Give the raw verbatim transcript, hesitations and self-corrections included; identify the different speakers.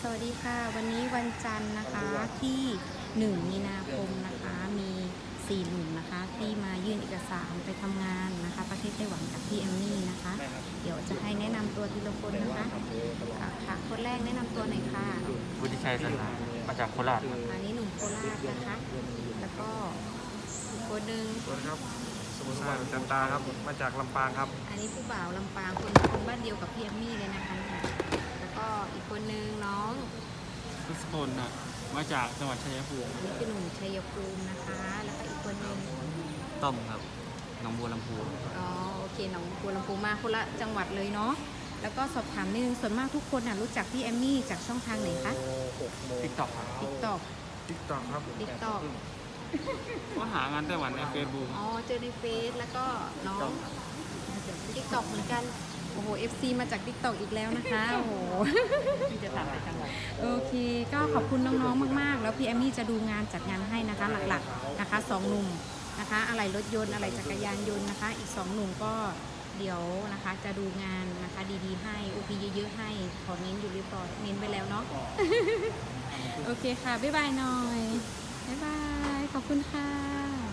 Speaker 1: สวัสดีค่ะวันนี้วันจันทร์นะคะที่หนึ่งมีนาคมนะคะมีสี่หนุ่มนะคะที่มายื่นเอกสารไปทำงานนะคะประเทศไต้หวันกับพี่แอมมี่นะคะเดี๋ยวจะให้แนะนำตัวทีละคนนะคะอ่ะค่ะคนแรกแนะนำตัวหน่อยค่ะ
Speaker 2: วุฒิชัยสันหามาจากโคราชครับ
Speaker 1: อันนี้หนุ่มโคราชนะคะแล้วก็อีกคนหนึ่ง
Speaker 3: สวัสดีครับสมุทรสาครจันตาครับมาจากลำปางครับ
Speaker 1: อันนี้ผู้บ่าวลำปางคนคนบ้านเดียวกับพี่แอมมี่เลยนะคะแล้วก็อีกคนหนึ่งน้อง
Speaker 2: ทุกคนน่ะมาจากจังหวัดชัยภูมิ
Speaker 1: อันนี้คือหนุ่มชัยภูมินะคะแล้วก็อีกคนหนึ่ง
Speaker 2: ต้อมครับหนองบัวลำพู
Speaker 1: อ๋อโอเคหนองบัวลำพูมาคนละจังหวัดเลยเนาะแล้วก็สอบถามนิดนึงส่วนมากทุกคนน่ะรู้จักพี่แอมมี่จากช่องทางไหนคะ
Speaker 2: ติ๊กต็อกครับ
Speaker 1: ติ๊กต็อก
Speaker 3: ติ๊กต็อกครับ
Speaker 1: ติ๊กต็อก
Speaker 2: ก็หางานไต้หวันในเฟซบุ๊ก
Speaker 1: อ๋อเจอในเฟซแล้วก็น้องติ๊กต็อกเหมือนกันโอ้โห เอฟ ซี มาจากติ๊กต็อกอีกแล้วนะคะโอ้โหจะถามไปจังหวัดโอเคก็ขอบคุณน้องๆมากๆแล้วพี่แอมมี่จะดูงานจัดงานให้นะคะหลักๆนะคะสองหนุ่มนะคะอะไรรถยนต์อะไรจักรยานยนต์นะคะอีกสองหนุ่มก็เดี๋ยวนะคะจะดูงานนะคะดีๆให้โอพีเยอะๆให้ขอเน้นอยู่เรียบร้อยเน้นไปแล้วเนาะ โอเคค่ะบ๊ายบายหน่อยบ๊ายบายขอบคุณค่ะ